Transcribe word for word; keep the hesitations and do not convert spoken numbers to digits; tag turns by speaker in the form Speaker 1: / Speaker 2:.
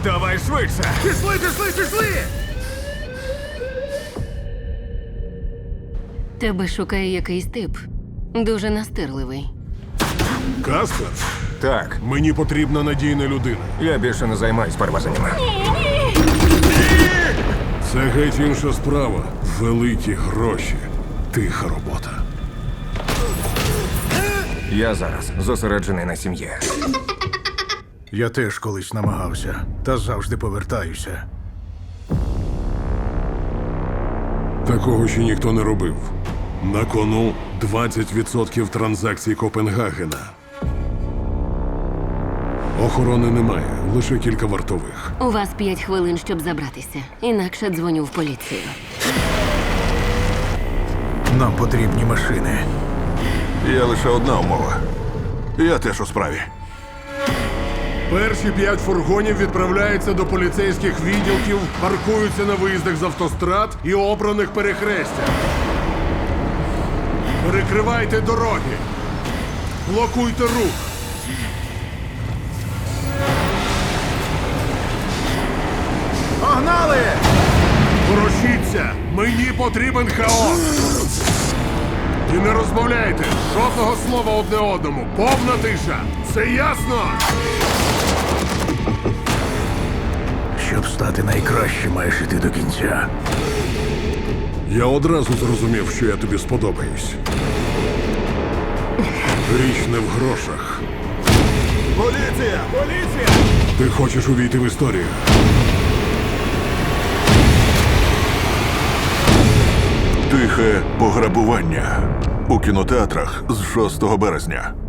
Speaker 1: Давай швидше!
Speaker 2: Пішли, пішли, пішли!
Speaker 3: Тебе шукає якийсь тип. Дуже настирливий.
Speaker 4: Каспер,
Speaker 1: Так,
Speaker 4: мені потрібна надійна людина.
Speaker 1: я більше не займаюсь перевезеннями.
Speaker 4: Це геть інша справа. Великі гроші. Тиха робота.
Speaker 1: Я зараз зосереджений на сім'ї.
Speaker 2: Я теж колись намагався, та завжди повертаюся.
Speaker 4: Такого ще ніхто не робив. На кону двадцять відсотків транзакцій Копенгагена. Охорони немає, лише кілька вартових.
Speaker 3: У вас п'ять хвилин, щоб забратися. Інакше дзвоню в поліцію.
Speaker 2: Нам потрібні машини.
Speaker 5: Є лише одна умова. Я теж у справі.
Speaker 4: Перші п'ять фургонів відправляються до поліцейських відділків, паркуються на виїздах з автострад і обраних перехрестях. Перекривайте дороги. Блокуйте рух.
Speaker 2: Погнали!
Speaker 4: Ворушіться! Мені потрібен хаос! І не розмовляйте! Жодного слова одне одному! Повна тиша! Це ясно?
Speaker 2: Щоб стати найкращим, маєш іти до кінця.
Speaker 4: Я одразу зрозумів, що я тобі сподобаюсь. Річ не в грошах.
Speaker 5: Поліція! Поліція!
Speaker 4: Ти хочеш увійти в історію.
Speaker 5: Тихе пограбування у кінотеатрах з шостого березня.